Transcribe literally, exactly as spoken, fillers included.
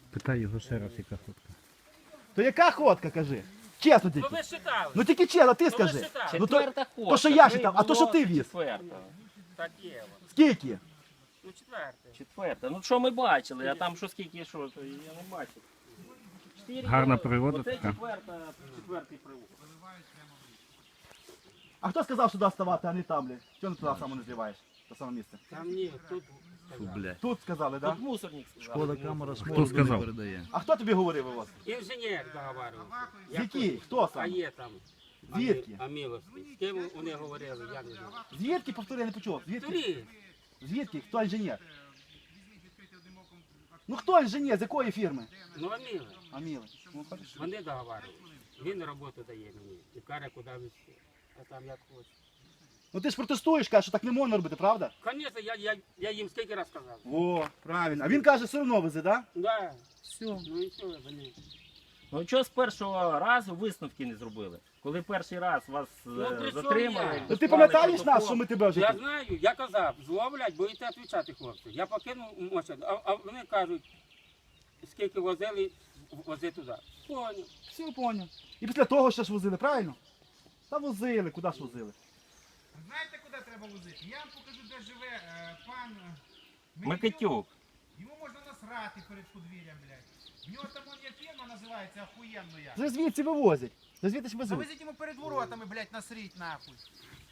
Питай його ще раз, яка ходка. То яка ходка, кажи? Чесно Ну тільки. ви считали. Ну тільки чесно, ти Ну, скажи. ви считали. Ну то, Четверта ходка. то що я Три читав, а то що було, ти віз? Четверта. Так є. воно. Скільки? Ну четверте. Четверта. Ну що ми бачили, а там що скільки, що, то я не бачив. Чотири Гарна було. природа Оце така. четверта, четвертий привод. А хто сказав сюди ставати, а не там, блядь? Чого не туди саме не зливаєш? Те саме місце. Там ні, тут. Блядь. Тут сказали, так? Тут мусорник сказав. Шкода камера Хто смолу не сказав? передає. А хто тобі говорив у вас? Інженер договарювався. З який? Хто А сам? є там. Звідки? Аміловський. З ким вони говорили, я не знаю. Звідки, повтори, я не почув. Звідки? Турі. Звідки? Хто інженер? Ну хто інженер? З якої фірми? Ну Аміли. Аміли. Ну, хорошо. Вони договарювали. Він роботу дає мені. І каже, куди везти. А там як хочеш. Ну ти ж протестуєш, кажеш, що так не можна робити, правда? Звісно, я, я, я їм скільки раз сказав. О, правильно. А він каже, все одно везе, так? Да. Все. Ну і що, вони. Ну чого з першого разу висновки не зробили? Коли перший раз вас е, Ну, при чому затримали. я? Ну ти склали пам'ятаєш нас, протокол? що ми тебе вже Я тут? знаю, я казав, зловлять, будете відповідати, хлопці. Я покинув моча, а, а вони кажуть, скільки возили, вози туди. Поняв. Все, поняв. І після того ще ж возили, правильно? Та возили, куди ж возили? Знаєте, куди треба возити? Я вам покажу, де живе е, пан е, Микитюк. Йому можна насрати перед подвір'ям, блядь. В нього там он є фірма називається охуєнно я. Вже звідси вивозять. Вже звідси ж везуть. Завезіть йому перед воротами, блядь, насріть нахуй.